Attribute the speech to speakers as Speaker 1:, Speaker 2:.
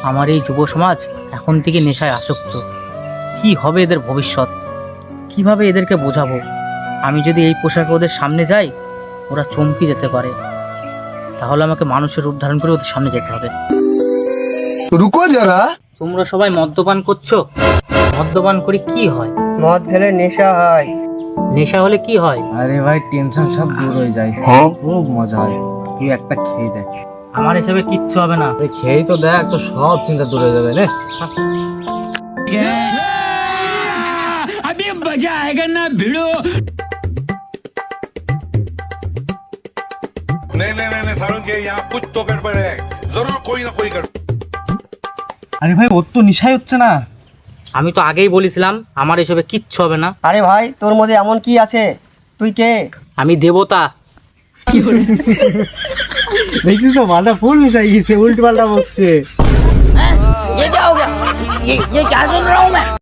Speaker 1: আমার এই যুব সমাজ এখন থেকে নেশায় আসক্ত। কি হবে এদের ভবিষ্যৎ? কিভাবে এদেরকে বোঝাবো? আমি যদি এই পোশাকে ওদের সামনে যাই, ওরা চমকে যেতে পারে। তাহলে আমাকে মানুষের রূপ ধারণ করে ওদের সামনে যেতে হবে।
Speaker 2: रुको जरा।
Speaker 1: তোমরা সবাই মদ্যপান করছো? মদ্যপান করে কি হয়?
Speaker 3: মদ খেলে নেশা হয়।
Speaker 1: নেশা হলে কি হয়?
Speaker 4: আরে ভাই টেনশন সব দূর হয়ে যায়, খুব মজা হয়। তুই একটা খেয়ে দেখ।
Speaker 1: আমার হিসেবে কিচ্ছু হবে না।
Speaker 4: তুই খেয়েই তো দেখ, তো সব চিন্তা দূর হয়ে যাবে রে।
Speaker 5: नहीं सारुण के यहाँ कुछ तो गड़बड़ है, जरूर कोई ना कोई गड़बड़।
Speaker 4: আরে ভাই ওর তো নিশাই হচ্ছে না।
Speaker 1: আমি তো আগেই বলেছিলাম আমার এসবে কিচ্ছু হবে না।
Speaker 3: আরে ভাই, তোর মধ্যে এমন কি আছে? তুই কে?
Speaker 1: আমি দেবতা।
Speaker 4: দেখছিস তো মাথা ফুল মিশাই গেছে, উল্টো পাল্টা বকছে।